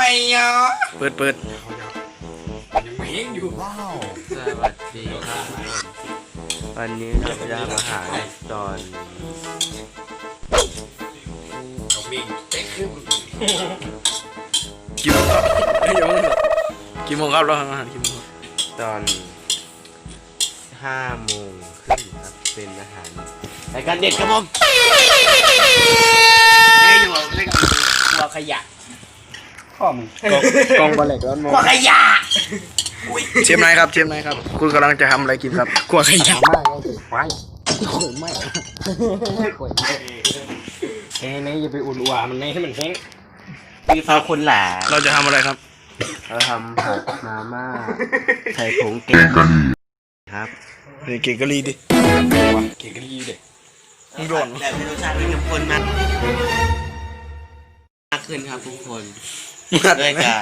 อ่ะเปิดยังไม่เห็นอยู่ว้าวสวัสดีครับวันนี้เราจะมาหาตอนน้องมิงเต็กขึ้นกี่โมงครับกี่โมงครับเราทำอาหารกี่โมงตอน5 โมงครึ่งครับเป็นอาหารรายการเด็ดครับผมได้อยู่เล่นครัวขยะข้อมึงกองบอลเล็กร้อนครัวขยะเชฟนายครับคุณกำลังจะทำอะไรกินครับขวดขยะมากเลยไฟข่อยไม่ข่อยไม่แห้งนี่อย่าไปอุ่นอัวมันให้มันแห้งมีฟ้าคนหลาเราจะทำอะไรครับเราทำผัดมาม่าใส่ผงแกงครับเก่งกะลีดิเก่งกะลีเด็กมึงโดนแต่รสชาติมันเข้มข้นมากขึ้นครับทุกคนด้วยการ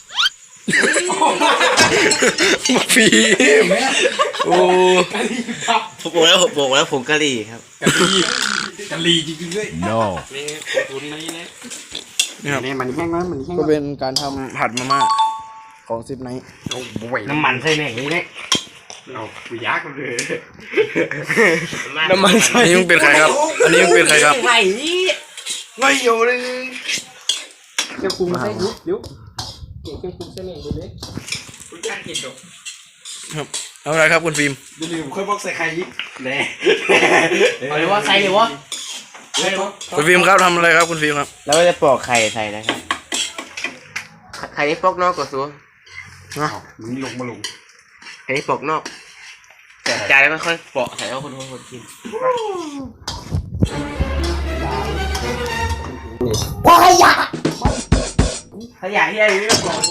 ฟีโอ้ผมบอกแล้วผงกะหรี่ครับกะลีจริงๆด้วย no นี่ตุนนี่นะนี่ครับนี่มันแห้งนะมันแห้งก็เป็นการทำผัดมาม่าของซิปไนท์โอ้โหน้ำมันใส่แม่งนี่เนี่ยเอาไปยักเลยน้ำมันอันนี้มึงเป็นใครครับอันนี้มึงเป็นใครครับไไม่อยู่เลยเจ้าคุมใส่ยุบเก่งเจ้าคุมใส่แม่งดูเลยคุณการกินดอกครับเอาอะไรครับคุณฟิล์มดูดิผมเคยบอกใส่ไข่ยิบแน่เอาเลยว่าใส่เลยวะคุณฟิล์มครับทำอะไรครับคุณฟิล์มครับแล้วก็จะปอกไข่ใส่นะครับไข่นี่ปอกนอกก่อนซัวมึงลงมาลงไข่นี่ปอกนอกจานแล้วค่อยๆปอกใส่แล้วคนกินว้ายขยะที่อะไรนี่ก่อน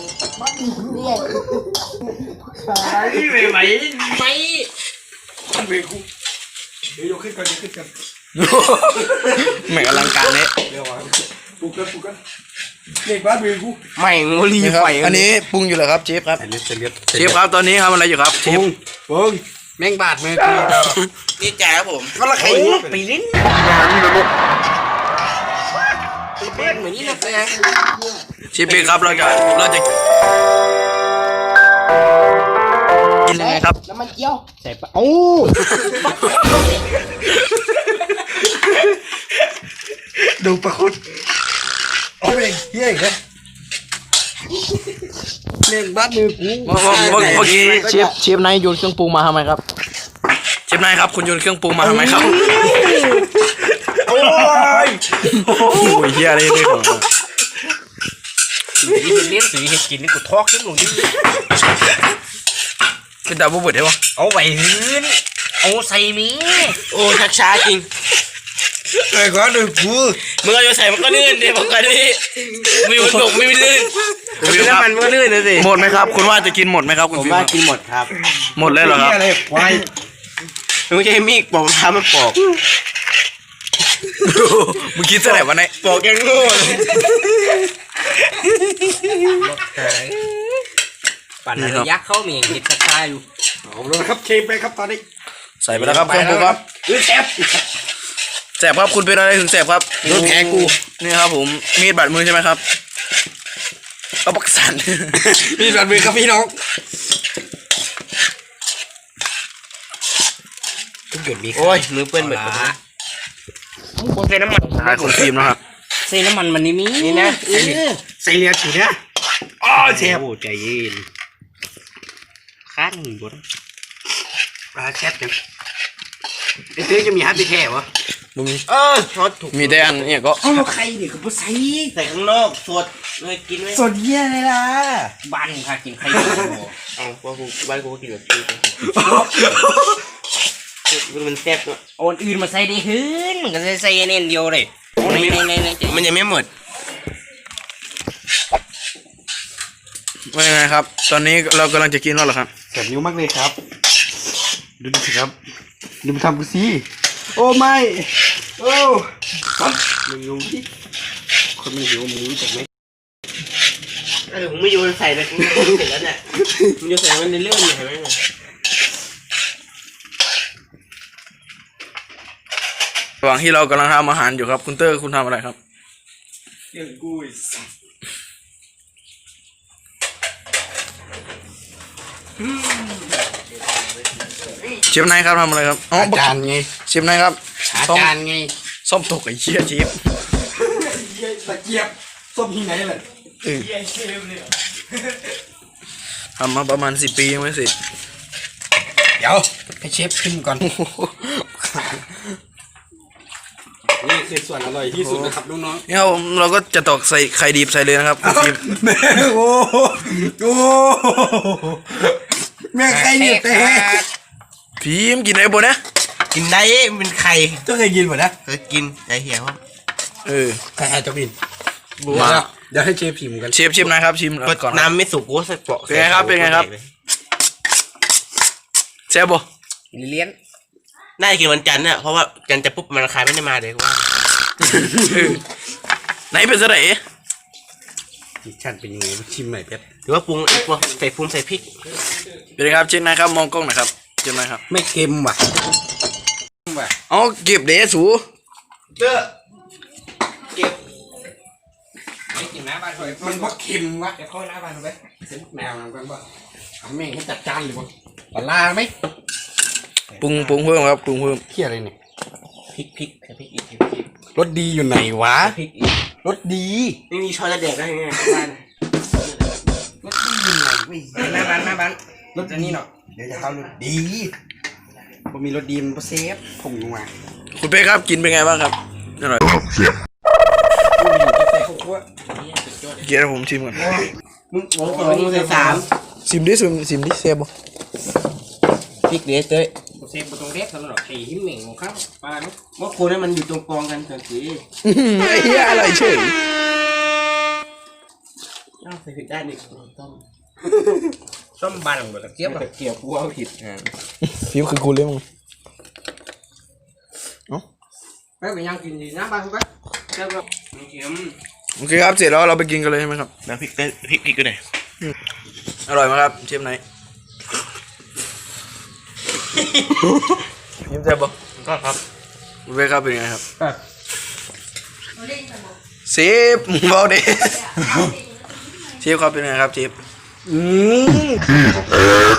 นี่ไม่ไหวไม่มันเวกูเดี๋ยวยกขึ้นกันแม่งอลังการเนี่ยเดี๋ยวปลุกกันเด็กบ้านเวกูไม่งรีนี่ครับไฟอันนี้ปรุงอยู่เหรอครับเชฟครับเลือดเชฟครับตอนนี้ทำอะไรอยู่ครับเชฟปุ้งแม่งบาดมือกูนี่จ่ายครับผมก็ละไข่ไปลิ้นไปเหมือนนี่นะแฟเชฟเบคครับเราจะกินยังไงครับน้ำมันเจียวใส่ปะโอ้ดูประคุดโอ้ยเฮี้ยอีกแล้วเล่นบ้านมือกูเมื่อกี้เชฟนายโยนเครื่องปรุงมาทำไมครับเชฟนายครับคุณโยนเครื่องปรุงมาทำไมครับโอ้ยโอ้ยเฮียอะไรเนี่ยของสีเลี้ยงสีเห็ดกินนี่กูทอกขึ้นลงดิเป็นดาวบุบเบิดได้ปะเอาไว้หื้นเอาใส่มีโอ้ชักช้าจริงไอ้ก้อนดูกูมึงเอาใส่มันก็ลื่นดิบอกกันดิมีมันบกไม่ลื่นมีน้ำมันมันก็ลื่นนะสิหมดไหมครับคุณว่าจะกินหมดไหมครับคุณผมฟิล์มว่าครับกินหมดครับหมดเลยเหรอครับอะไรควายมึงไม่ใช่มีดปอกท้ามันปอกมึงคิดซะไหนวะเนี่ยปอกยังโง่เลยปั่นอะไรยักษ์เข้าเมียงเห็ดกระชายอยู่เอาเลยครับเคมไปครับตอนนี้ใส่ไปแล้วครับเครื่องปรุงครับแซ่บแสบครับคุณเป็นอะไรถึงแสบครับโดนแผลกูนี่ครับผมมีดบาดมือใช่ไหมครับเอาปักสันพี่รันมือครับพี่น้องเกิดมีโอ้ยมือเปื้อนเหมือนกันมึงใส่น้ำมันใช่คุณฟิล์มนะครับใส่น้ำมันมันนี่มีนี่นะใส่เลียดฉีดเนี่ยอ๋อเชฟใจเย็นคั้นบดปลาแซ่บจังไอ้เต้จะมีฮัตติแท้วะมึงช็อตถูกมีแต่อันเนี่ยก็เอาใครเนี่ยคือผู้ใส่ใส่ข้างนอกสดเลยกินไหมสดเยี่ยเลยล่ะบ้านค่ะกินใครอยู่เอาว่ากูบ้านกูก็กินแบบนี้มันแซ่บด้วยโอนอื่นมาใส่ได้หื้นมันก็ใส่เน้นเดียวเลยมันยังไม่หมดว่ายังไงครับ ตอนนี้เรากำลังจะกินแล้วเหรอครับแสบนิ้วมากเลยครับดูดิครับดูมาทำกูสิโอ้ไม่โอ้มึงรู้ดิคนมันหิวมึงรู้จักไหมผมไม่โยนใส่เลยเสร็จแล้วเนี่ยมึงโยนใส่มันในเรื่องอยู่เห็นไหมระหว่างที่เรากำลังทำอาหารอยู่ครับคุณเตอร์คุณทำอะไรครับเรื่องกูเชฟนายครับทำอะไรครับอ๋อจานไงเชฟนายครับจานไงซ่อมตกไอ้เชี่ยเชฟตะเกียบส้มที่ไหนเลยทำมาประมาณ10 ปียังไม่เสร็จเดี๋ยวให้เชฟขึ้นก่อนนี่คือส่วนอร่อยที่สุดนะครับน้องเนี่ยเราก็จะตอกใส่ไข่ดิบใส่เลยนะครับคุณฟิล์มๆโอ้โหแม่ใครเนี่ยแต่ฟิล์มกินอะไรบ่นะกินได้มันเป็นไข่ต้องเคยกินหมดนะเคยกินไอ้เหี้ยว่าใครจะกินมาเดี๋ยวให้เชฟพิมพ์กันเชฟนายครับชิมก่อนครับน้ำไม่สุกกูใส่เปาะเป็นไงครับเป็นไงครับ แซ่บบ่เลี้ยนน่าจะกินวันจันทร์เนี่ยเพราะว่าจันทร์จะปุ๊บมันราคายไม่ได้มาเลยกูว่าไหนเป็นสะไหนชันเป็นยังไงชิมหน่อยเพชรหรือว่าปรุงไอ้พวกใส่ใส่พริกเป็นไงครับเชฟนายครับมองกล้องหน่อยครับเชฟนายครับไม่เค็มว่ะเอาเก็บเดสูเด้อมันว่าเค็มวะเดี๋ยวเข้าหน้าบ้านไปเส้นแนวนั้นกันว่าแม่งให้จัดจานหรือเปล่าปลาไหมปรุงเพิ่มครับปรุงเพิ่มเที่ยอะไรเนี่ยพริกใส่พริกอีกรสดีอยู่ไหนวะพริกอีกรสดีไม่มีช้อนจะแดกได้ไงบ้านรสดีอยู่ไหนไม่หน้าบ้านรสอันนี้เนาะเดี๋ยวจะเข้ารสดีพอมีรสดีมันก็เซฟผมลงมาคุณเป้ครับกินเป็นไงบ้างครับอร่อยใส่ข้าวคั่วเดี๋ยวผมชิมก่อนมึงโอ้โหมึงใส่3 ชิมดิแซ่บบ่พริกเด้อเต้ยเซฟตรงเด็กสำหรับไข่หิมเหม่งของเขาปลาเนาะเมื่อคืนนั้นมันอยู่ตรงกองกันเฉยไอ้เหี้ยอร่อยเฉยใส่พริกได้นี่ต้มส้มบานหมดตะเกียบตะเกียบกูเอาผิดฟิล์มคือกูเลยมึงไปไปยังกินดีนะบ้านกูไปแซ่บแบบเค็มโอเคครับเสร็จแล้วเราไปกินกันเลยใช่ไหมครับแล้วพริกเต้ยพริกก็ได้อร่อยไหมครับเชฟไหนยิ้มแซ่บบ่ก็ครับคุณเป้ครับเป็นไงครับเชฟมึงเบาเด้เชฟครับเป็นไงครับเชฟ